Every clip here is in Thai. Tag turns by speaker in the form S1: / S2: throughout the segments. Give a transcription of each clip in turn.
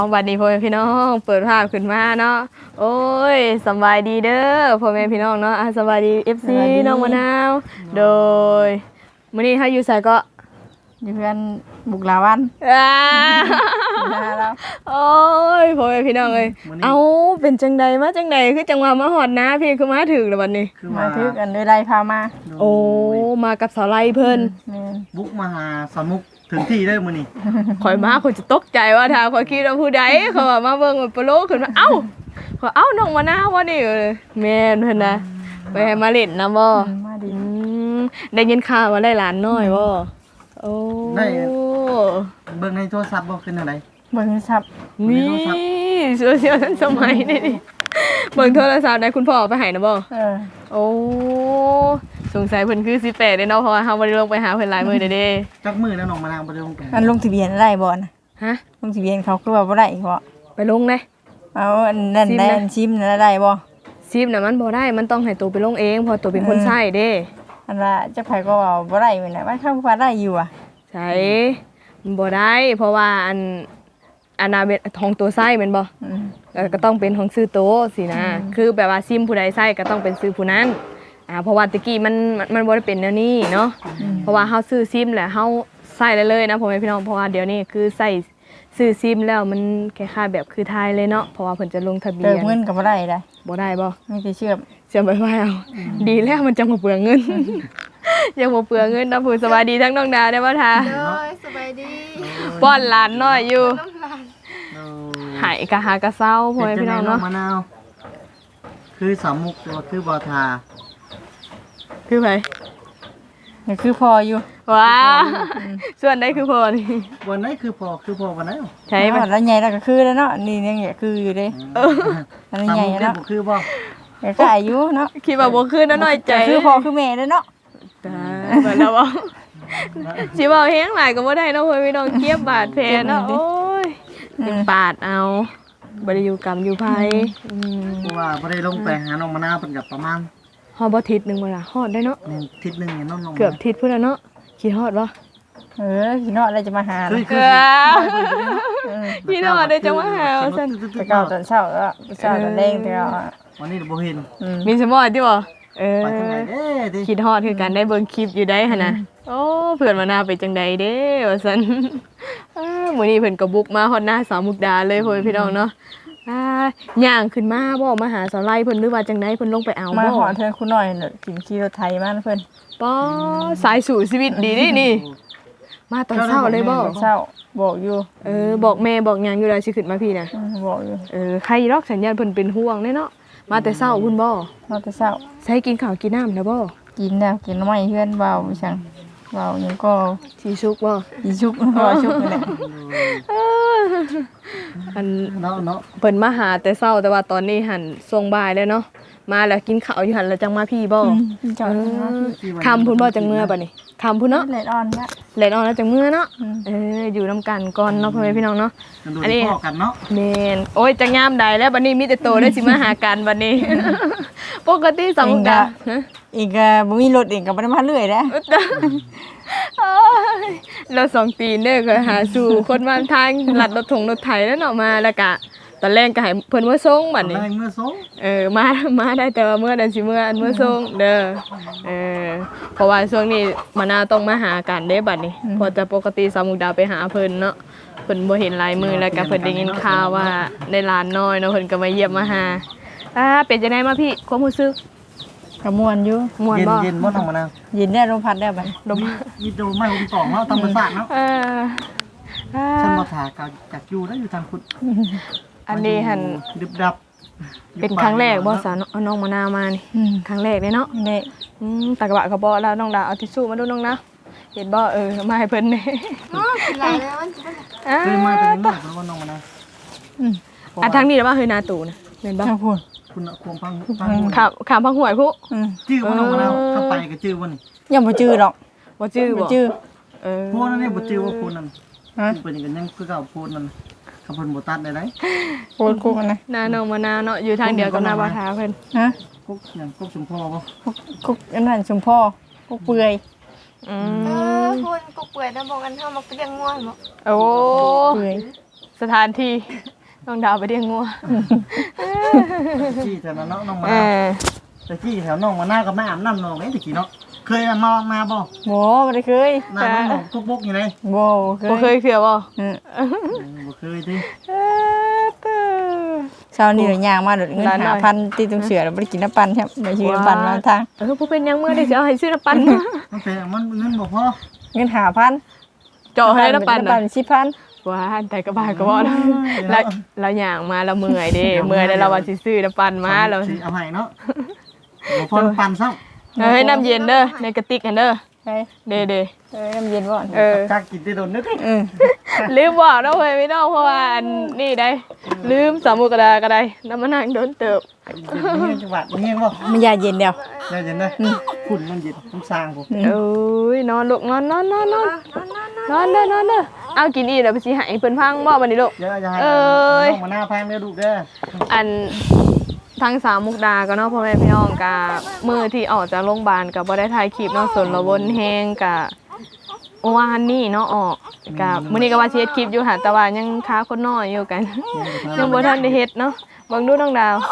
S1: บัดนี้พ่อแม่พี่น้องเปิดภาพขึ้นมาเนาะโอ้ยสบายดีเด้อพ่อแม่พี่น้องเนาะสบายดี FC น้องมะนาวโดยมื้อนี้เฮาอยู่ไสก็
S2: อยู่เพื่อนบุกลาวัน
S1: แล้วโอ้ยพ่อแม่พี่น้องเอ้ยเอ้าเป็นจังใดมาจังใดคือจังว่ามาฮอดนะพี่คือมาถึงแล้วบัดนี้
S2: มาถึกอันด้วยไรพามา
S1: โอ้มากับสาวไลเพิ่น
S3: บุกมาหาสมุกถึงที่ได้มื้อนี้
S1: ข่อยมาข่อยจะตกใจว่าถ้าข่อยคิดว่าผู้ใดเขาว่ามาเบิ่งปโลขึ้นมาเอ้าข่อยเอ้าน้องมะนาวบ่นี่แม่นเพิ่นน่ะไปให้มาเล่นนํบ่
S2: มาดิ
S1: ได้ยินข่าวว่าได้หลานน้อยบ่โอ้
S3: ได้เบิ่งในโทรศัพท์บ่ขึ้นอะไร
S2: เบิ่งศัพท์
S1: นี่โซเชียลทันสมัยนี่เบิ่งโทรศัพท์ได้คุณพ่อไปให้นะบ่โอ้สงสัยเพิ่นคือ18เด้เนาะเพราะว่าเฮาบ่ได้ลงไปหาเพิ่นหลายมื้อเด้
S3: จักมื้อแล้วน้องมะนาวบ่ได้ลงไป
S2: อันลงทะเบียนได้บ่นะ
S1: ฮะ
S2: ลงทะเบียนเขาคือว่าบ่ได้บ่
S1: ไปลงได้
S2: เอาอันนั้นได้อันชิมนั้นได้บ่
S1: ชิมน่ะมันบ่ได้มันต้องให้ตัวไปลงเองเพราะตัวเป็นคนใช้เด้
S2: อันว่าจักไผก็ว่าบ่ได้แม่นน่ะว่าเขาว่าได้อยู่อ่ะ
S1: ใช่มันบ่ได้เพราะว่าอันน่ะเป็นของตัวใช้แม่นบ่ก็ต้องเป็นของซื้อโตสินะคือแบบว่าซิมผู้ใดใช้ก็ต้องเป็นซื้อผู้นั้นเพราะว่าตะกี้มันบ่ได้เป็นแนวนี้เนาะเพราะว่าเฮาซื้อซิมแล้วเฮาใช้ได้เลยนะพ่อแม่พี่น้องเพราะว่าเดี๋ยวนี้คือใช้ซื้อซิมแล้วมันคล้ายๆแบบคือไทยเลยเนาะเพราะว่าเพิ่นจะลงทะเบียน
S2: เงินก็บ่ได้
S1: บ่ได้บ่
S2: มีแต่เชื่อ
S1: มไปว่าเอาดีแล้วมันจะบ่เปลืองเงินยังบ่เปลืองเงินนะผู้สบายดีทั้งน้องดาได้บ่ท่า
S4: สบายดี
S1: ป้อนหลานน้อยอยู่หายกะหากะเศร้าพ่อแม่พี่น้องเนาะ
S3: มะนาวคือสามุกตัวคือบ่ทา
S1: คือไผ
S2: นี่คือพออยู่
S1: ว้าส่วนได้คือพอนี่
S3: วันไหนคือพอวันไหน
S1: ใช่
S2: มั้ยแล้วใหญ่แล้วก็คือแล้วเนาะนี่ยังเนี่ยคืออยู่เด้อันนี้ใหญ่แล้ว
S3: คือบ่
S2: ก็อายุเนาะ
S1: คิดว่าบ่คือน้อยใจ
S2: คือพ่อคือแม่แล้วเนาะ
S1: ตายบ่แล้วบ่สิเว้าแฮงหลายก็บ่ได้เนาะเพิ่นพี่น้องเก็บบาดแผลเนาะโอ้ยยังปาดเอาบ่ได้อยู่กรรมอยู่ไผ
S3: ว่าบ่ได้ลงไปหาน้องมะนาวเพิ่นก็ประมาณ
S1: ฮอดบ่ทิศนึงบ่ล่ะฮอดได้เนาะ
S3: ทิศนึงเนี่ยน้อง
S1: เกือบทิศพุ่นแล้วเนาะคิดฮอดบ่
S2: คิดฮอดแล้วจะมาหา
S1: พี่น้องได้จะมาหาซั่น
S2: แต่ก่อนตอนเช้าแล้วเช้าตอนแดงแต่
S3: วันนี้บ่เห็น
S1: มีสมอติบ่คิดฮอดคือกันได้เบิ่งคลิปอยู่ได้หั่นน่ะโอ้เพื่อนมาหน้าไปจังใดเด้ว่าซั่นมื้อนี้เพิ่นก็บุกมาฮอดหน้าสาวมุกดาเลยพ่อพี่น้องเนาะย่างขึ้นมาบ่มาหาสาวไล่เพิ่นหรือว่าจังได๋เพิ่นลงไปเอาบ่
S2: มาหอเธอคุณน้อยกินขี่รถไถมาเพิ่น
S1: ป้อสายสู่ชีวิตดีนี่มาตอนเช้าเลยบ่
S2: เช้าบอกอยู่
S1: บอกแม่บอกหยังอยู่แล้วสิขึ้นมาพี่น่ะ
S2: บอกอยู่
S1: ใครรอกสัญญาณเพิ่นเป็นห่วงแน่เนาะมาแต่เช้าพุ่นบ่
S2: มาแต่เช้า
S1: ใช้กินข้าวกินน้ำนะบ่
S2: กินแล้วกินน้ำไม้เฮือนเบาจังเบาหยังก็
S1: สิชุกบ่
S2: สิชุกบ่ชุกนี่แหละ
S1: อันเนาะเพิ่นมาหาแต่เช้าแต่ว่าตอนนี้หั่นส่งบ่ายแล้วเนาะมาแล้วกินข้าวอยู่หั่นแล้วจังมาพี่บ่คำพุ่นบ่จังเมื่อบัดนี้คำพุ่นเนาะ
S2: แลดอ่อนเนี่ย
S1: แลดอ่อนแล้วจังเมื่อเนาะอยู่นำกันก่อนเนาะพ่อแม่พี่น้องเนาะ
S3: อันนี้พ่อกันเนาะ
S1: แม่นโอ้ยจังยามใดแล้วบัดนี้มีแต่โตได้สิมาหากันบัดนี้ปกติสองกะ
S2: อีกบ่มีรถอีกก็บ่ได้มาเรื่อยแล้ว
S1: เรา2ตีนเด้อก็หาสู่คนมาทางลัดรถไถแล้วเนาะมาแล้วก็ตอนแรกก็ให้เพิ่นมาส่งบัดนี้
S3: เมื่อส่ง
S1: มาได้แต่ว่าเมื่อนั้นสิเมื่อส่งเด้อเพราะว่าช่วงนี้มะนาวต้องมาหากันเด้บัดนี้พอจะปกติสาวมุกดาไปหาเพิ่นเนาะเพิ่นบ่เห็นลายมือแล้วก็เพิ่นได้ยินข่าวว่าได้หลานน้อยเนาะเพิ่นก็มาเยี่ยมมาหาเป็นจังได๋มาพี่ความรู้สึก
S2: ก็ม่วนอยู่
S1: ม่วนบ่
S3: เย็นบ่น้องมะนาว
S2: เย็นได้ลมพัดได้บัด
S1: ลม
S3: มีโดไม้ลมตองเนาะธรรมชาติเนาะฉันบ่ถาจากอยู่แล้วอยู่ทางพุทธ
S1: อันนี้หั่น
S3: ดึบดับ
S1: เป็นครั้งแรกบ่สาวน้องมะนาวมานี่ครั้งแรกเลยเนาะ
S2: นี่
S1: ตะกะบะก็บ่แล้วน้องดาเอาทิชชู่มาดูน้องนะเห็นบ่มาให้เพิ่นนี่
S4: กินหลายแล้วมัน
S3: คือมาเป็นน้องเพราะว่าน้องมะนาว
S1: ทางนี้แล้วว่านาตู่นะแม่นบ่
S3: คุณควงพัง
S1: ขามพังหวยพุ
S3: ชื่อว่าน้องมะนาวถ้าไปก็ชื่อว่านี่
S2: ยังบ่ชื่อหรอก
S1: บ่ชื่อบ่
S3: โพนั่นนี่บ่ชื่อว่าโพนั่นเป็นอย่างนั้นคือเก่าโพนั่นคำเพิ่นบ่ตัดได้ไหน
S2: โพนกุกนะ
S1: นาน้องมะนาวเนาะอยู่ทางเดียวกับนาบ่าวทาเพิ่น
S3: กุกหยังกุกชุมพ่อบ่
S2: กุกอันนั้นชุมพ่อกุกเปื่อย
S4: คนกุกเปื่อยนะบอกกันเฮามาเลี้ยงงัวบ่
S1: โอ้
S2: เปื่อย
S1: แสสถานที่น้องดาวไปเลี้ยงงัว
S3: ที่แถวนั้นเนาะน้องมา
S1: เอ
S3: นา
S1: อ
S3: แต่ที่แถวน้องมานาก็ไม่อาบน้ำน้องนี่ตะกี้เนาะเคยมาบ่
S2: โบ่ได้เคย
S3: น้ำน้องกุ๊กบุ๊กอยู่เลย
S2: บ่เค
S1: บ่เค
S2: ย
S1: ยเคือบ่
S3: บ่เคยดิ
S2: เช้านี้ย่างมาโดดเงิน5,000ตีตรงเสือแล้วบ่ได้กินน้ำปั่นครับไม่ซื้อน้ำปั่นมาทาง
S1: ผู้เป็นยังเมื่อได้สิเอาให้ซื้อน้ำปั่น
S3: มันเป็นมันเงินบ่พอ
S2: เงิน5,000
S1: เจาะให้น้ำปั่น
S2: น้ำปั่
S1: น่ะ
S2: น10,000
S1: ว้าแต่ก็บ้าก็บ่แล้วเราย่างมาเราเมื่อยเด้เมื่อยแล้วเราว่าสิซื้อน้ำปั่นมาเรา
S3: สิเอาให้เนาะบ่พอปั่นซ้ำ
S1: ให้น้ำเย็นเด้อในกระติกกันเด้อ
S2: ไป
S1: เด้
S2: น้ำเย็นบ่อน
S1: เออ
S3: กักกินได้โดนนึก
S1: ลืมบอกเนาะเว้ยพี่น้องเพราะว่าอันนี่ได้ลืมสามุกระดาก็ได้น้ำมันนางโดนเติบ
S3: เฮียจังหวัดเฮียบ่
S2: มันยาเย็นเดียว
S3: เย็นๆเด้อฝุ่นมันเย็นมันสร้างผม
S1: โอ้ยนอนลูกนอนเด้อเอากินอีกแล้วไปสิให้เพิ่นพังบ่บัดนี้ลูก
S3: เยอะจะให้
S1: เอ้ย
S3: น้องมาหน้าพังเด้อลูกเด้อ
S1: อันทางสามมุกดาก็เนาะพ่อแม่พี่น้องกะมื้อที่ออกจากโรงพยาบาลก็บ่ได้ถ่ายคลิปเนาะสนละวนแฮงกะเมื่อวานนี่เนาะออกกะมื้อนี้ก็ว่าสิเฮ็ดคลิปอยู่ค่ะแต่ว่ายังค้าคนน้อยอยู่กัน ยังบ่ทันได้เฮ็ดเนาะเบิ่งดูน้องดาว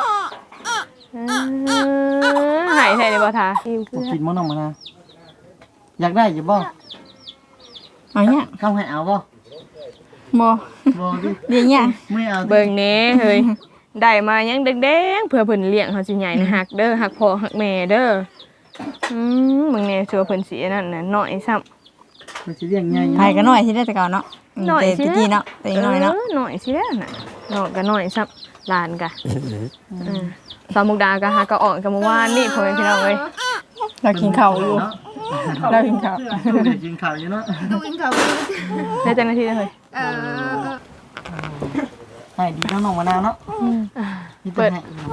S1: หายใส่ได้บ่ทา
S3: บ่กินบ่น้องมาหน้าอยากได้อยู่บ่
S2: เอาเนี่ย
S3: เข้าให้เอาบ่
S2: บ่
S3: บ่ดิ
S2: เดี๋ยวเนี่ย
S3: ไม่เอา
S1: เบิ่งแหน่เฮ้ยได้มายังแดงๆเพื่อเพิ่นเลี้ยงเฮาสิใหญ่นะฮักเด้อฮักพ่อฮักแม่เด้อเบิ่งแหน่ชัวเพิ่นสิอันนั้นน่ะน้อยซ้ำ
S3: มันสิเลี้ยงใหญ่
S2: ไผก็น้อยสิได้แต่เก่าเนาะแต่ตะกี้เนาะแต่น้อยเนาะ
S1: น้อยสิแล้วน่ะน้อยก็น้อยซ้ำหลานกะสามมุกดาก็หาก็ออกกันเมื่อวานนี่พ่อแม่พี่น้องเอ้ย
S2: เรากินข้าวอยู่
S3: เนาะ
S2: เรากินข้าว
S3: ลูกอยากกินข้าวอยู่เนาะ
S4: ดูอินเขา
S1: ได้จังนาทีแล้วเฮ้ย
S4: เออ
S3: ให้ดีน้องมาหน้าเนาะนี่
S1: เปิด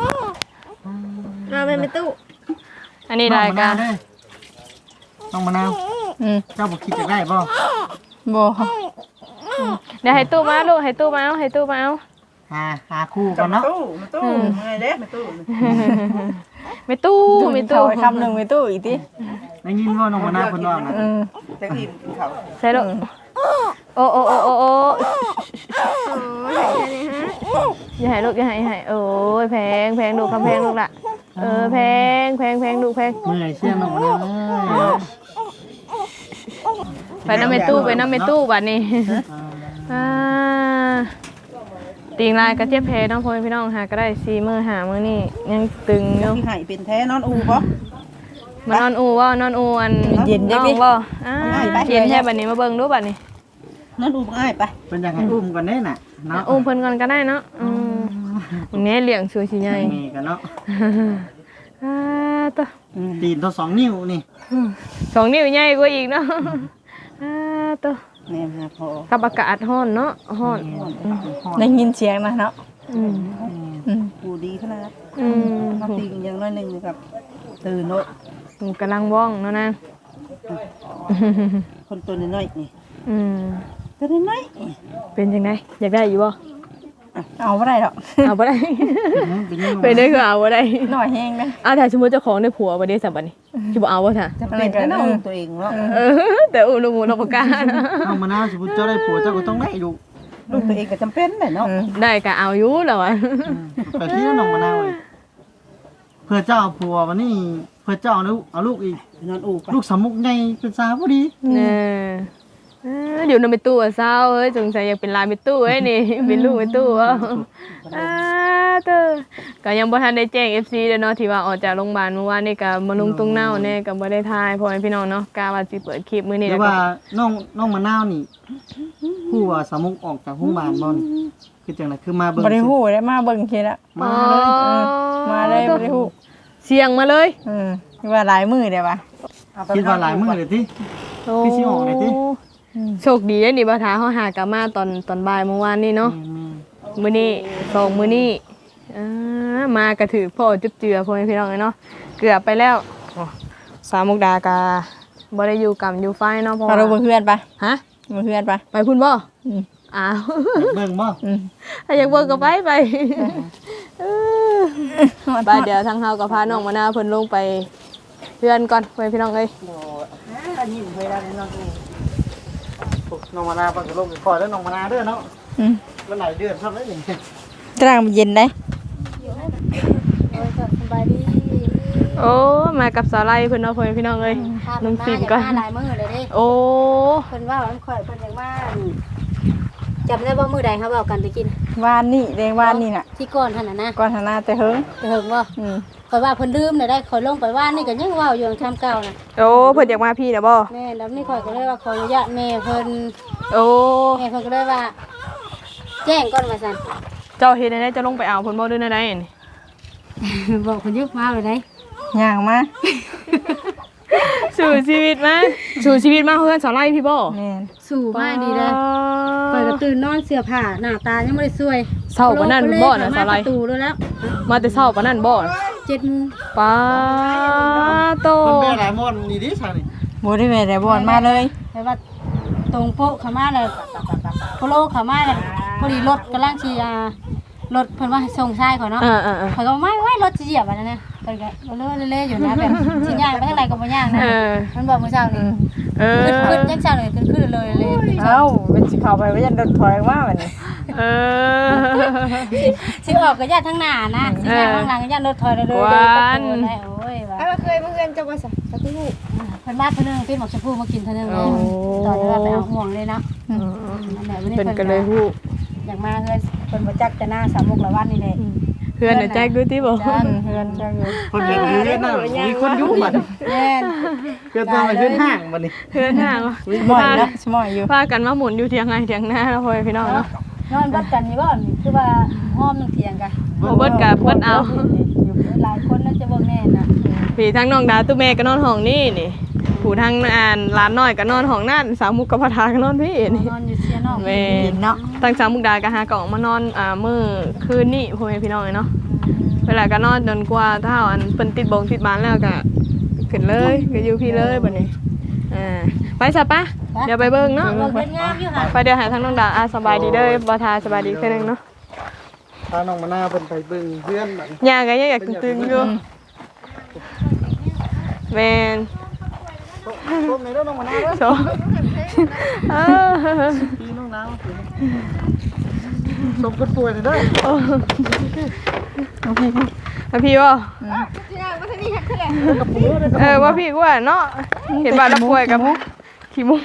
S4: เราไม่ตู้
S1: อันนี้รายการ
S3: น้องมะนาว เจ้าบอกคิดจะได้บ่
S2: บ่
S1: เดี๋ยวให้ตู้มาลูกให้ตู้มาเอาให้ตู้มาเอา
S3: หาคู่กันเนาะ
S1: ไม่ตู้ไม่
S2: ตู้
S1: ตู้
S2: คำหนึงไปตู้อีกติ
S3: ได้ยินว่าน้องมะนาวเพิ่นว่านะ
S1: ใส่ลูกโอ้
S4: โอ้ยแค่นี้ฮะ
S1: อย่าให้ลูกอย่าให้โอ้ยแพงลูกคำแพงลูกละแพงลูกแพง
S3: เมื่อยเสียน้องมะนาว
S1: ไปน้ำเมตู้บัดนี้ตีงลายกระเจี๊ยบเพน้องพ่อพี่น้องหาก็ได้4 มื้อ5 มื้อนี่ยังตึงอยู่
S5: ที่ให้เป็นแท้นอนอูบ่
S1: มานอนอูว่านอนอูอันน้องบ่เย็นแค่บัดนี้มาเบิ่งดูบัดนี้
S5: นอนอูบ่ง่ายไป
S3: เป็นยังไงอุ้มกันแน่น่ะเนาะ
S1: อุ้มเพิ่นก่อนก็ได้เนาะวันนี้เลี้ยงสวยสิใหญ่
S3: มีกันเนาะ
S1: ตัว
S3: ตีนตัว2 นิ้วนี่
S1: 2 นิ้วใหญ่กว่าอีกเนาะตัว
S5: แม่หาพอ
S1: กับอากาศร้อนเนาะร้อน
S2: ได้ยินเสียงนะเนาะ
S5: กูดีขนาด
S1: อืม
S5: มาตีกันอย่างน้อยหนึงนะครับตื่นโนด
S1: กำลังว่องเนาะนาง
S5: คนตัวน้อยๆนี่ ตัวน้อย
S1: เป็นจังไดอยากได้อยู่บ่
S2: เอาบ่ได้ดอก
S1: เอาบ่ได้
S3: เป็นยัง
S1: เป็นได้คือเอาบ่ได้
S2: น้อยแฮงนะ
S1: เอาถ้าสมมุติเจ้าของได้ผัวบ่ได้สับบัดนี้สิบ่เอาบ่ท่ะ
S5: ๆจะเป็นแค่นอนตัวเองเนาะ
S1: แต่อุ้มลูกหมูลูกปากกา
S3: น้องมะนาวสมมุติเจ้าได้ผัวเจ้าก็ต้องได้อยู่
S5: ลูกตัวเองก็จำเป็นแหละเนาะ
S1: ได้ก็เอาอยู่แล้วอ่ะ
S3: แต่ที่น้องมะนาวเพื่อเจ้าผัววันนี้เพื่อเจ้าเอาลูกอีก
S5: นอนอูไป
S3: ลูกสามมุกใหญ่เป็นสาวพอดี
S1: เดี๋ยวนำไปตู้อ่ะเศร้าเฮ้ยสงสัยอยากเป็นลานไปตู้เฮ้ยนี่ เป็นลูกไปตู้อ่ะก็ยังบ่ทันได้แจ้ง FC เด้อเนาะที่ว่าออกจากโรงพยาบาลเมื่อวานนี่ก็มาลงตรงเน่าแน่ก็บ่ได้ทายพ่อแม่พี่น้องเนาะกะว่าสิเปิดคลิปมื้อนี้
S3: หรื
S1: แล้
S3: อ
S1: วก็
S3: ว่าน้องมะนาวนี่ผู้ว่าสามมุกออกจากโรงพยาบาลบ่นี่คือจังไดคือมาเบิ่ง
S2: บ่ได้ฮู้ได้มาเบิ่งคิดละ
S3: มาเลย
S2: มาเลยบ่ได้ฮู้
S1: เสียงมาเลย
S2: ว่าหลายมื้อได้ป่ะ
S3: คิดว่าหลายมื้อเลยติ พี่สิออกเลยติ
S1: โชคดีนี่บ่ทาเฮาหากลับมาตอนบ่ายเมื่อวานนี่เนาะมื้อนี้2มื้อนี้มากระถือพ่อจุ๊บเจือพ่อแม่พี่น้องเนาะเกือบไปแล้วสามมุกดากาบ่ได้อยู่กับอยู่ไฟเนาะเพราะ
S2: เรา
S1: ว่า
S2: เบิ่งเพื่อนป่ะ
S1: ฮะ
S2: เบิ่งเพื่อนป่ะ
S1: ไปพุ่นบ่อ้าว
S3: เบิ่งบ่
S1: ถ้าอยากเบิ่งก็ไปไปเดี๋ยวทางเฮาก็พาน้องมะนาวเพิ่นลงไปเพื่อนก่อนไปพี่น้องเอ้ย
S5: อันนี้เวลาในนอนอู
S3: น้องมะนาวเพิ่นก็ลงไปคอยแล้วน้องมะนาวเด้อเนาะมันหลายเดือนครับแล้วนี่
S2: กลางมันเย็นได้
S4: สบายดี
S1: โอ้มากับสาไลเพิ่นเนาะพ่อแม่พี่น้องเอ้ยน้องฟิล์มก่อน
S4: มาหลายมื้อเลยเด้
S1: โอ้
S4: เพิ่นว่าวันข่อยเพิ่นอยากมาจำได้บ่มื้อใดเฮาเว้ากันไปกิน
S2: วานนี่แดงวานนี่น่ะ
S4: ที่ก่อนท่านน่ะนะ
S2: ก่อนหน้าแต่เฮิง
S4: จะเฮิงบ่ข่อยว่าเพิ่นลืมได้ข่อยลงไปว่านนี่ก็ยังเว้าอยู่ทำเก่าน่ะ
S1: โอ้เพิ่นอยากมาพี่นะบ่
S4: แม่แล้วนี่ข่อยก็เลยว่าขออนุญาตแม่เพิ่น
S1: โอ้
S4: แม่เพิ่นก็เลยว่า แจ้งก่อนว่าซั่น
S1: เจ้าเฮ็ดได้จะลงไปเอาเพิ่นบ่ด้วยได้นี่
S4: บอกเพิ่นยึกมาเลยได้
S2: ย่างมา
S1: สู่ชีวิตมาสู่ชีวิตมาเพื่อนสาไลพี่บ่
S2: แม่น
S4: สู่มาดีเด้อข่อยก็ตื่นนอนเสื้อผ้าหน้าตายังบ่ได้สวย
S1: เช้าปานนั้นบ่น่ะสาไล
S4: ประตูแล้ว
S1: มาแต่เช้าปานนั้นบ่
S4: 7:00 น
S1: ป้าโต
S3: มันแม่หลายมอนนี่ดิซะนี่
S2: บ่ได้แม่ได้บ่อนมาเลย
S4: แต่ว่าตรงโป๊ะเข้ามาเลยโปโลเข้ามาเลยพอดีรถกำลังสิรถเพิ่นว่าให้ส่งชายข่อยเนาะ ข่อยก็ไม่รถสิเหยียบอันนั้นนะเพิ่นก็เล่ๆอยู่นะแบบสิย่างไปทางไหนก็บ่ย่างนะมันบอกมื้อเช้านี่ขึ้นจังซั่นเลยขึ้นเลย
S2: เอ้าเป็นสิเข้าไปว่ายันโดนถอยมาบัดนี้
S4: สิออกก็ย่างทางหน้านะสิย่างทางหลังก็ย่างรถถอยเลยได้โอ้ยว่า
S6: เราเคยมาเพื่อนจะมาสักที่หู
S4: เพิ่นมาเพิ่นนึงเป็นหมอกชมพูมากินเท่านึงเลยตอนที่ว่าไปเอาห่วงเลยนะนั่นแหละวันนี้
S1: เพิ่น
S4: เพิ่น
S1: ก็เลยฮู้
S4: อยากมาเฮือนเพิ่นบ่จักจะหน้า3 มุกละวันนี่แหละ
S1: เพื่อนน่ะแจ๊กดูติบ่
S2: เฮือนจังอยู่
S3: คนเห็นเฮือนน่ะมีคนอยู่บัด
S4: แม่น
S3: เฮือนต้องไปเฮือนห้างบัดนี้
S1: เพื่อนห่าง
S2: สมอยนะสมอยอยู่
S1: พากันมาหมุนอยู่เถียงไงเถียงหน้าเนาะพ่อแม่พี่น้องเนาะ
S4: นอนบัดกันนี่บ่นี่คือว่าห้อมนึงเถียงกัน
S1: บ่เบิดกับเบิดเอา
S4: หลายคนน่าจะเบิ่งแน่น่ะ
S1: พี่ทั้งน้องดาตุ้แม่ก็นอนห้องนี่นี่ผู้ทั้งร้านน้อยก็นอนห้องนั่นสาวมุกกับพทาก็นอนพี่นี่
S4: นอนอยู่เสียนอก
S1: แม่
S2: เย็นเนาะ
S1: ตั้งสาวมุกดาก็หากล่องมานอนมื้อคืนนี้พ่อแม่พี่น้องเนาะเวลาก็นอนจนกว่าถ้าอันเพิ่นติดบงติดบ้านแล้วก็ขึ้นเลยก็อยู่พี่เลยบัดนี้ไปซะปะเดี๋ยวไปเบิ่งเนาะ
S4: เบิ่งเป็นงามอยู่ค่ะ
S1: ไปเดี๋ยวหาทางน้องดาสบายดีเด้อบ่ทาสบายดีแค่นึงเนาะ
S3: พาน้องมะนาวเพิ่นไปเบิ่งเฮือนบัดนี้
S1: ย่างก็ยังอยากตึงๆอยู่แม่น
S3: ต้มในเด้อน้องมะนาวเด้อ
S1: โซ
S3: พี่น้องนาวสมกันป่วยเด้อ
S1: พี่ว่า
S6: ที่นั่งมาที่นี่ขึ้นเลย
S1: ว่าพี่กูเนาะเห็นบ้านเราป่วยกับขี้มุก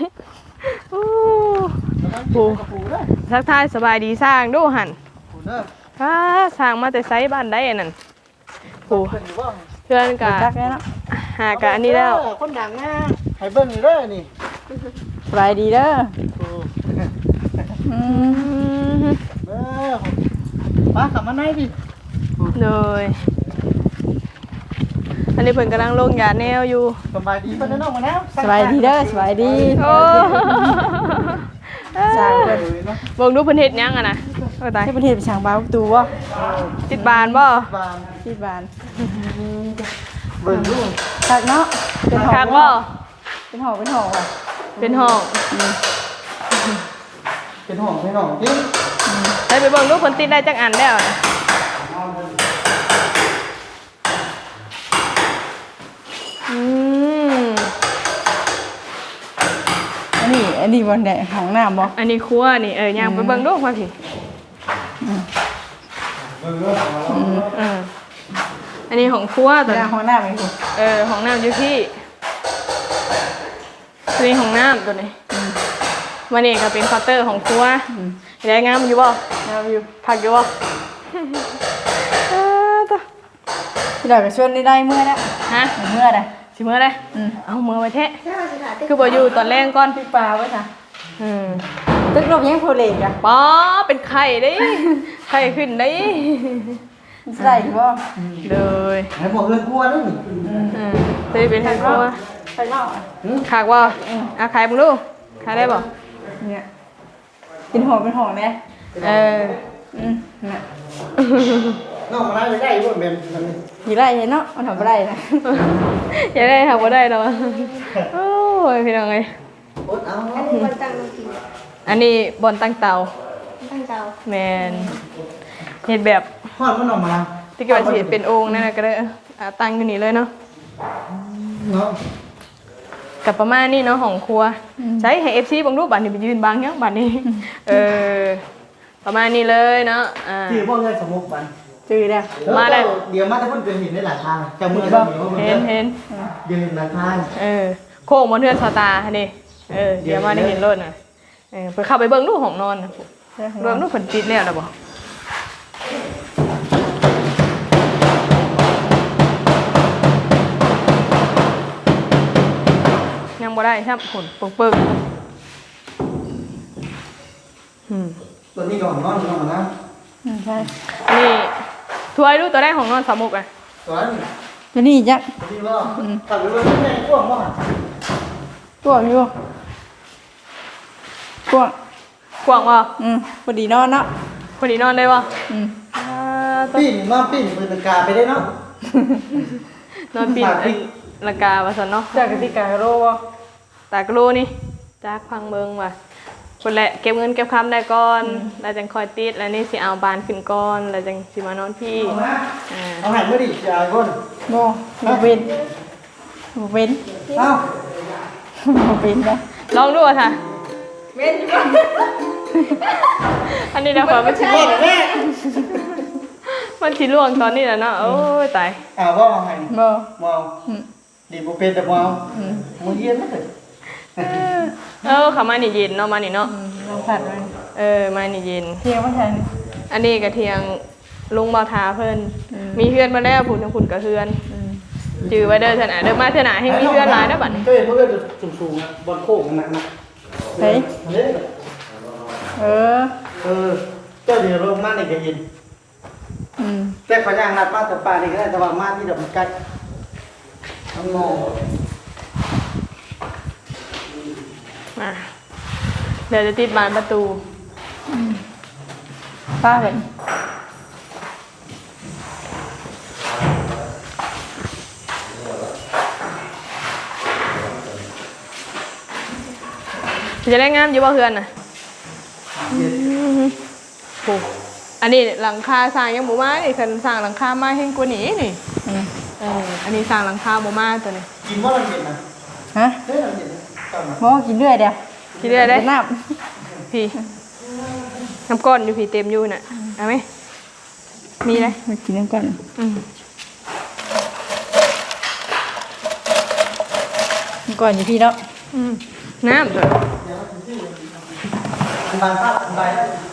S1: ปูทักทายสบายดีสร้างดูหัน
S3: เด้อ
S1: สร้างมาแต่ไซบ้านได้นั่นปูเพื่อนกะ
S2: จักแล้วเนาะ
S1: หากะอันนี้แล้ว
S3: คนดังนะให้เบิ่งนี่เด้อนี่
S2: สบายดีเด้อ
S3: เด้อป้ากลับมาไหนพี่
S1: เลยอันนี้เพิ่นกำลังลงยาแนวอยู่
S3: สบายดีเพิ่นน้องมะนาว
S2: สบายดีเด้อสบายดี
S1: โอ้
S2: สร้างเพิ่น
S1: เบิ่งดูเพิ่นเฮ็ดหยังอะนะโอ้ตาย
S2: ให้ประเทศไปช่างบ้านประตูบ่
S1: ติดบานบ่
S3: บาน
S2: ที่บ้าน
S3: เบิ่งดู
S2: คักเนาะเป็นหอ
S1: คัก
S2: บ่
S1: บ่
S2: เป็นหอว่ะ
S1: เป็นห้อง
S3: เป็นห้องให้น้องจริง
S1: ได้ไปเบิ่งดูเพิ่นติดได้จักอันแล้วนะอืม
S2: อันนี้บ่ได้ห้องน้ำบ่
S1: อันนี้ครัวนี่ย่างไปเบิ่งดูมาพี่อันนี้ของครัวตัว
S2: ห้องน้ำอีกบ่
S1: ของน้ำอยู่ที่อันนี้ของน้ำตัวนี้วันนี้ก็เป็นเคาน์เตอร์ของครัวได้งามอยู่บ่งามอยู่ผักอยู่บ่ตัว
S2: ที่เราก็ชวนได้เมื่อแล้ว
S1: ฮะ
S2: เมื่อได้
S1: สิมื้อได้เอามือไว้แทะคือบ่อยู่ตอนแรกก่อน
S2: พี่ปลาไว้ค่ะตึกลมยังโพเลกอ่ะ
S1: ป๋อเป็นไข่ได้ไข่ขึ้นได้
S2: ใส่บ่
S1: เลย
S3: ให้บอกเฮือนกลัวนึง
S1: จะเป็นไข่ครัว
S2: ใส่นอก
S1: ขากบ่ขายมึงดูขายได้บ่
S2: เนี่ยเป็นหอแน่ น่ะ
S3: น้องมะนาวได้อยู่บ่แม่นนั่นนี่
S2: อยู่ได้เนาะมันทำบ่ได้นะ
S1: อย่าได้ค่ะบ่ได้หรอกโอ้ยพี่น้องเอ้ย
S3: อดเอา
S6: อันนี้มันตั้งลงกิน
S1: อันนี้บอนตั้งเตา
S6: ตั้งเตา
S1: แมนเฮ็ดแบบ
S3: ฮอดมันน้องมะนาว
S1: ที่เกิดสิเป็นโอ่งนั่นน่ะก็ได้ตั้งอยู่นี่เลยเนาะ
S3: เนาะ
S1: กับประมาณนี้เนาะของครัวใช้ให้ FC บังรูปบัดนี้ไปยืนบังยังบัดนี้ประมาณนี้เลยเนาะ
S3: ชื่อบ่เงินสมุกบัน
S2: จื้อได้
S1: มาได้
S3: เดี๋ยวมาถ้าเพิ่นเกิดเห็นได้หลายทางแต่มือเราเห็น
S1: เห็น
S3: เดี๋ยวเห็นหลายทาง
S1: โค้งบนเทือนสตาร์นี่เดี๋ยวมาได้เห็นรถน่ะไปเข้าไปเบิ่งดูห้องนอนน่ะเบิ่งดูเพิ่นปิดแล้วล่ะบ่ยังบ่ได้ครับผลปึ้ง
S3: ตัวนี้ก็ของนอนนอนนะ
S2: ใช่
S1: นี่ถวยดูตัวได้ของนอนสามุกอ่ะ
S3: ตัวนั้น
S2: ตัวนี้จัก
S3: ตัวนี้ว่าตัดไปว่าแม่กว้างมาก
S2: กวางอยู่กวาง
S1: กว้างบ่
S2: พอดีนอนเนาะ
S1: พอดีนอนได้บ่
S3: ปิ้นมาปิ้นปืนกาไปได้เนาะ
S1: นอนปิดละกาว่าซั่นเนาะ
S2: จากกติกาโรบ่
S1: ตากรูนี่จากพังเบิงว่ะคนแหละเก็บเงินเก็บคำได้ก่อนแล้วจังคอยติดแล้วนี่สิเอาบานขึ้นก่อนแล้วจังสิมานอนพี่
S3: เอาหายไม่ดีจ่ายก่อน
S2: บ่เว้นบ่เว้น
S3: เอ้า
S2: บ่เว้นนะ
S1: ลองดูอ่ะค่ะเว้นอันนี้นะฝนมันชิ
S3: บ่แม่
S1: มันชิล่วงตอนนี้แหละเนาะโอ้ยตาย
S3: ว่าเอาหาย
S2: บ่
S3: มองดีบ่เป็นแต่มองมือเย็นนะเด้อ
S1: เขามานี่เย็นเนาะมานี่เนาะ
S2: ลองผัดไว้
S1: มานี่เย็น
S2: เที่ยวมาทัน
S1: อันนี้กระเทียงลุงเบาทาเพิ่นมีเพื่อนมาแล้วผุนทั้งผุนกับเพื่อนจือไว้เด้อเถอะนะเด้อมาเถอะนะให้มีเพื่อนหลายเด้อบัดนี้
S3: ก็เห็นเพื่อนสูงๆนะบอลโค้งหนักนะ
S2: เฮ้ย
S3: เล่น เจ้าเดี๋ยวลงมาในกระยินแต่ขอย่างนัดมาแต่ป่านี่ก็ได้แต่ว่ามาที่เดี๋ยวมันใกล้ต้องงง
S1: มาเดี๋ยวจะติดบานประตู
S2: ป้าเห็น
S1: จะได้งามอยู่บ่เพื่อนน่ะโอ้อันนี้หลังคาสร้างยังบ่มานี่คันสร้างหลังคามาแห่งกว่านี้นี่อันนี้สร้างหลังคาบ่มาตัวนี้
S3: กินว่าเราเห็นนะ
S2: ฮะ
S3: เฮ้ยเราเห็นก่อนนะ
S2: บ่กินเรื่อยเดียว
S1: คิดได้ได้
S2: น้
S1: พี่น้ำก้อนอยู่พี่เต็มอยู่น่ะเอาไหมมีเลย
S2: ำมากินน้ำก่อน น้ำก่อนอยู่พี่เนาะ
S1: น้ำตัว
S3: บางภาพบาง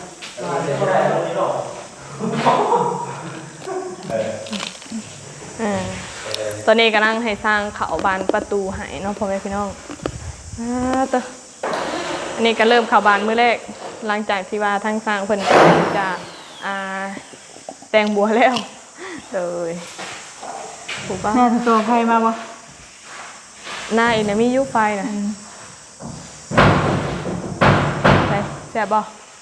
S1: ตอนนี้กำลังให้สร้างเขาบานประตูให้เนาะพ่อแม่พี่น้องตัวอันนี้ก็เริ่มเข้าบานมื้อแรกหลังจากที่ว่าทั้งสร้างเพิ่นจะแต่งบัวแล้วเลยถูกป่ะ
S2: แม่ตัวใครมาบ่
S1: หน้าอีกนะมียุไฟนะใช่แซ่บบ่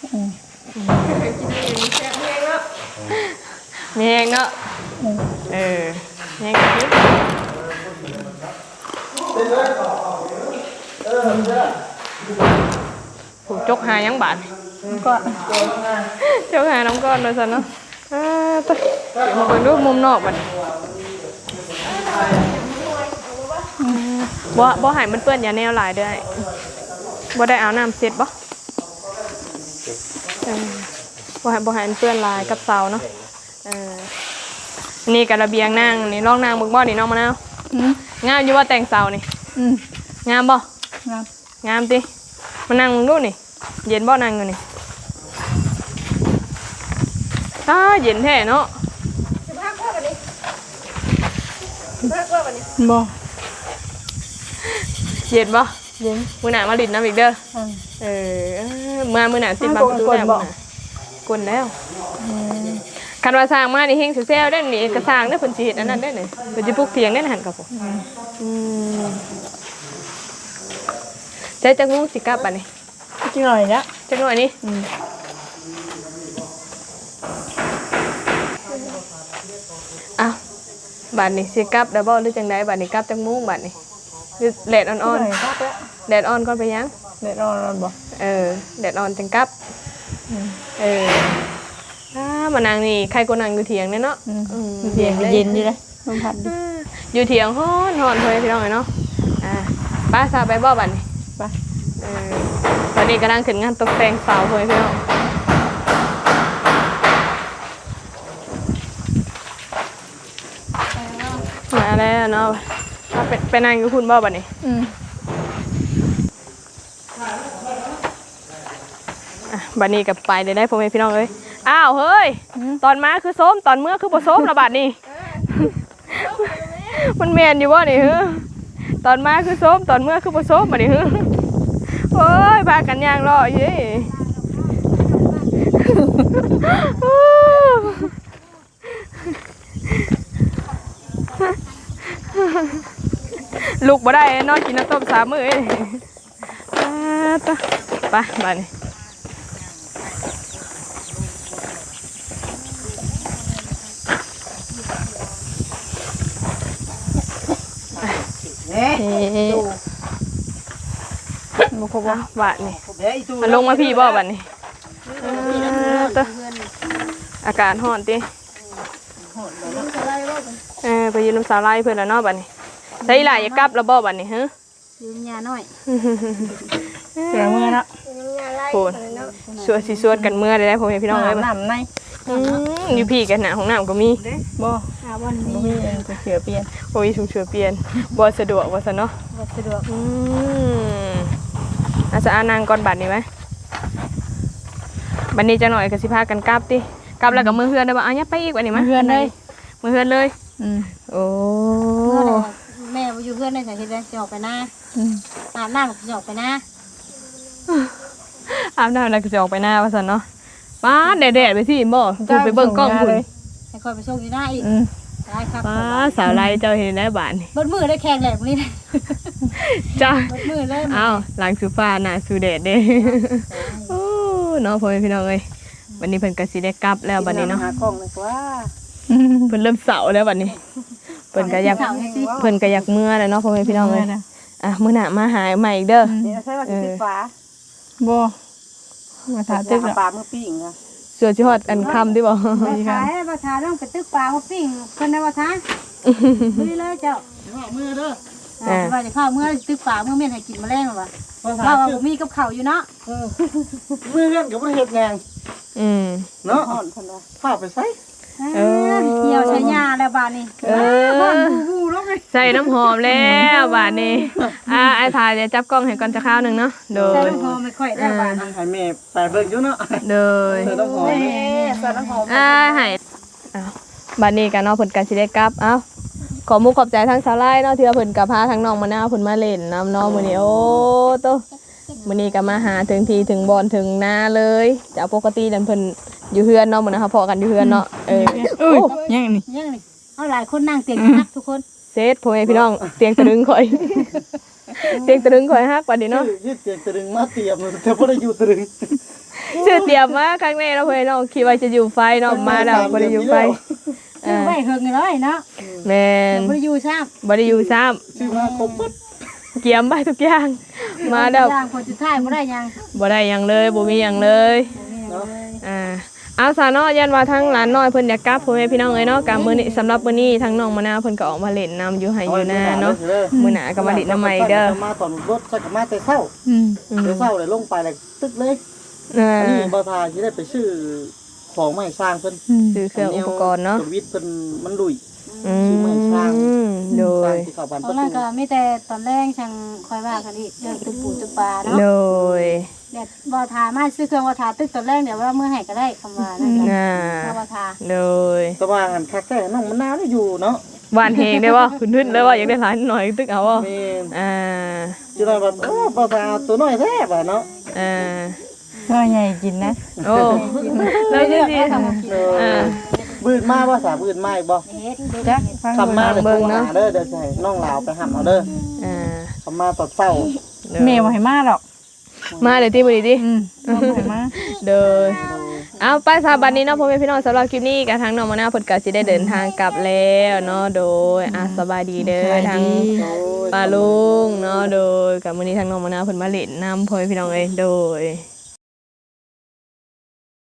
S1: มีแห้งเนาะแห้งกินผูกจกหายังบาท
S2: ก็
S1: จกหาน้องก้อนโดยสันเนาะตัวเดี๋ยวมาเบิ่งดูมุมนอกบัดบ่ให้มันเปื้อนอย่าแนวหลายเด้อบ่ได้เอาน้ำเสร็จบ่บ่ให้มันเปื้อนลายกับเสาเนาะนี่กระเบียงนั่งนี่ร่องนางมึงบ่นี่น้องมะนาวงามอยู่ว่าแต่งเสานี่งามบ่งามติมานั่งมึงดูนี่เย็นบ่นั่งอยู่นี่เย็นแท้เนาะ
S2: บ่
S1: เย็นบ่
S2: เย็น
S1: มื้อหน้ามาลิ้นน้ำอีกเด้อมื้อหน้าติดบางประตูแล้วกลแล้วคันว่าสร้างมานี่เฮงสิแซวได้นี่ก็สร้างได้เพิ่นสิเฮ็ดอันนั้นได้นี่เพิ่นสิปลูกเถียงได้หั่นกับผมใจจักงูสิกลับบัดนี้
S2: จริงหน่อยนะ
S1: จักหน่อยนี่อ้าวบัดนี้สิกลับได้บ่หรือจังไดบัดนี้กลับจักมุ้งบัดนี้หรือแดดอ่อนๆแดดอ่อนก่อนไปยัง
S2: เด็ดนอนบ่
S1: แดดอ่อนจังกลับมานางนี่ใครก็นั่งอยู่เถียงเนี่ยเนาะ
S2: เย็นเย็นอยู่เลยลมพัดดิ
S1: อยู่เถียงฮ้อนเพื่อนพี่น้องเลยเนาะป้าซาไปบ่บัดนี่
S2: ไป
S1: ตอนนี้กำลังขึ้นงานตกแต่งเสาเพื่อนพี่น้องอะไรเนาะไปนั่งกับคุณบ่บัดนี้บัดนี้กับไปได้พ่อแม่พี่น้องเอ้ยอ้าวเฮ้ยตอนมาคือส้มตอนเมื่อคือบ่ส้มละบัดนี้ มันแม่นอยู่บ่นี่เฮ้อตอนมาคือส้มตอนเมื่อคือบ่ส้มบัดนี้เฮ้อโอ้ยพากันย่างรอเย้ลูกบ่ได้นอนกินน้ำต้ม3 มื้อเอ้ยไปบัดนี้บุคคลบาทนี่มันลงมาพี่บ่บัดนี่อากาศร้อนติไปยืนน้ำสาลายเพื่อนแล้วเนาะบัดนี้ใส่หลายอย่ากลับแล้วบ่บัดนี่ฮะ
S4: ยืมยาหน่อย
S2: เสียมือเนาะ
S1: โหสวดสิสวดกันเมื่อได้พ่อแม่พี่น้องเอ้ย
S2: น้ำใน
S1: อยู่พี่กันนะของน้ำก็มี
S2: บ่
S4: วัน
S2: บ่
S4: นี้
S2: มีจะเสือเปลี่ยน
S1: โอ้ยชุมเชือเปลี่ยนบ่สะดวกว่าซะเนาะ
S4: บ่สะดวก
S1: อาจจะนางก่อนบัดนี้ไหมบัดนี้จะหน่อยก็สิพากันกลับติกลับแล้วก็มือเฮือนได้บ่เอาเนี่ยไปอีกบัดนี้มั้ย
S2: เพื่อนเลย
S1: มือเฮือนเลยโอ้
S4: แม่บ่อยู่เพื่อนได้สาเหตุใดสิออกไปหน้าอาบน้ำก็สิออกไปหน้า
S1: อาบน้ำแล้วก็จะออกไปหน้าว่าซั่นเนาะป้าแดดๆไปสิบ่คุณไปเบิ่งกล้องคุณ
S4: ให้คอยไปส่งอยู่หน้าอีกได้ครับ
S1: ป้าสาวไรเจ้าเห็นได้บาดนี่
S4: เบิดมือได้แข่งแหลกมื้อนี้นะ
S1: จ้า
S4: เบิดมือเลย
S1: อ้าวหลังสูฟ้าหน้าสูแดดเด้โอ้เนาะพ่อแม่พี่น้องเอ้ยวันนี้เพิ่นก็สิได้กลับแล้วบัดนี้เนาะ
S5: หากล้องเลยว่า
S1: เพิ่นเริ่มเสาแล้วบัดนี้เพิ่นก็อยากเมื่อแล้วเนาะพ่อแม่พี่น้องเอ้ยมื้อหน้ามาหาใหม่อีกเด้อ
S5: นี่ใช่ว่าสิติดฟ้า
S2: บ่มาถาตึก
S5: ปลาเมื่อปีงนะ
S1: เสือสิฮอดอันค่ำติบ่
S4: ขายบ่ทาต้องไปตึกปลาบ่ปิ้งเพิ่นได้บ่ทามื้อเลยเจ้า
S5: มือเด้อ
S4: ว่าจะเข้าเมื่อตึกปลาเมื่อเม่นให้กินแมลงว่ะเราบ่มีกับข้าวอยู่เนาะ
S3: มือเล่นกับประเทศงานเนาะพาไปใส่
S4: เหี่ยวใช้ยาแล้วบาดนี้
S1: ใส่น้ำหอมแล้วบาดนี้ไอ้ถ่ายเดี๋ยวจับกล้องให้ก่อนจะข้าวหนึงเนาะโด
S4: ใส่
S1: ย
S4: น้ำหอมไม่ค่อยได้บาดนี้
S3: ให้แม่ไปเบิ่งอยู่เนาะ
S1: โดย
S3: เธอต้องหอม
S5: ใส่น้ำหอม
S1: ให้บัดนี้ก็เนาะเพิ่นก็สิได้กลับขอมุกขอบใจทั้งสาวไร่เนาะที่ว่าเพิ่นก็พาทั้งน้องมะนาวเพิ่นมาเล่นน้ำเนาะมื้อนี้โอ้โตมื้อนี้ก็มาหาถึงทีถึงบอนถึงนาเลยจากปกตินั่นเพิ่นอยู่เฮือนเนาะมื้อนะคะพอกันอยู่เฮือนเนาะ
S2: ยังนี่
S4: ยังนี่เอาหลายคนนั่งเตียงนักทุกคน
S1: เซตพ่อแม่พี่น้องเตียงตะลึงข่อยเตียงตะลึงข่อยฮักบัดนี้เนาะ
S3: ยืดเตียงตรึงมาเตรียมแต่บ่ได้อยู่ตรึง
S1: ชื่อเตรียมมาครั้งแรกเราเพิ่นเนาะคิดว่าจะอยู่ไฟเนาะมาแล้วบ่ได้อยู่ไฟ
S4: ซื้อไว้เฮิงเลยเนาะ
S1: แม่น
S4: บ่ได้อยู่ซ้ำ
S1: บ่ได้อยู่ซ้ำ
S3: ชื่อมาครบปึ๊ด
S1: เกียมไปทุกอย่างมาแล้ว
S4: ย่างคนสุดท้ายบ่ได้ยัง
S1: บ่ได้หยังเลยบ่มีหยังเลยเอาซะเนาะยันว่าทั้งหลานน้อยเพิ่นอยากกลับพ่อแม่พี่น้องเอ้ยเนาะกะมื้อนี้สำหรับมื้อนี้ทั้งน้องมะนาวเพิ่นก็ออกมาเล่นน้ำอยู่ไห้อยู่นาเนาะมื้อหน้าก็มาเล่นน้ำใหม่เด้อ
S3: มาตอนรถใส่กับมาแต่เช้าแต่เช้าเลยลงไปเลยตึกเลยนี่บ่ทาสิได้ไปซื้อของมาให้สร้างเพิ่น
S1: ซื้อเครื่องอุปกรณ์เนาะ
S3: สวิตเพิ่นมันลุย
S1: โดย
S3: ที่เข้าบ้าน
S4: ต
S3: ป
S4: อน
S3: ระ
S4: นั้น
S3: ตู
S4: ก็มีแต่ตอนแรกช่างคอยว่ากันอีกเรื่องตึกปูตึกปลาเนาะ
S1: โดย
S4: เดี๋ยวบ่ทามาซื้อเครื่องบ่ทาตึกตอนแรกเดี๋ยวว่ามื้อให้ก็ได้คำว่านั่นแหละบ่ทา
S1: โดย
S3: แต่ว่าหันคักแท้น้องมะนาวนี่อยู่เนาะ
S1: หวานเฮงได้บ่คุณทึ่นเลยว่าอยากได้หลานหน่อยตึกเอาบ่
S3: แม่น
S1: อ่า
S3: จิได้ว่าบ่ทาตัวน้อยแท้บ่เนาะ
S2: ก็ใหญ่กินนะ
S1: โอ้แล้วสิ
S3: บืนมาบ่สาบืนมาอีกบ่
S2: จักฟัง
S3: คำมาเบิ่งนะเด้อเดี๋ยวสิให้น้องลาวไปหับเอาเด้อคำมาตอนเช้า
S2: แม่บ่ให้มาหรอก
S1: มาเดี๋ยวที่มื้อนี้ดิ
S2: บ่ให้มา
S1: เด้อเอาไปสาบันนี้เนาะพ่อแม่พี่น้องสำหรับคลิปนี้กับทางน้องมะนาวเพิ่นก็สิได้เดินทางกลับแล้วเนาะโดยสบายดีเด้อทางป้าลุงเนาะโดยกับมื้อนี้ทางน้องมะนาวเพิ่นมาเล่นน้ำพ่อแม่พี่น้องเอ้ยโดย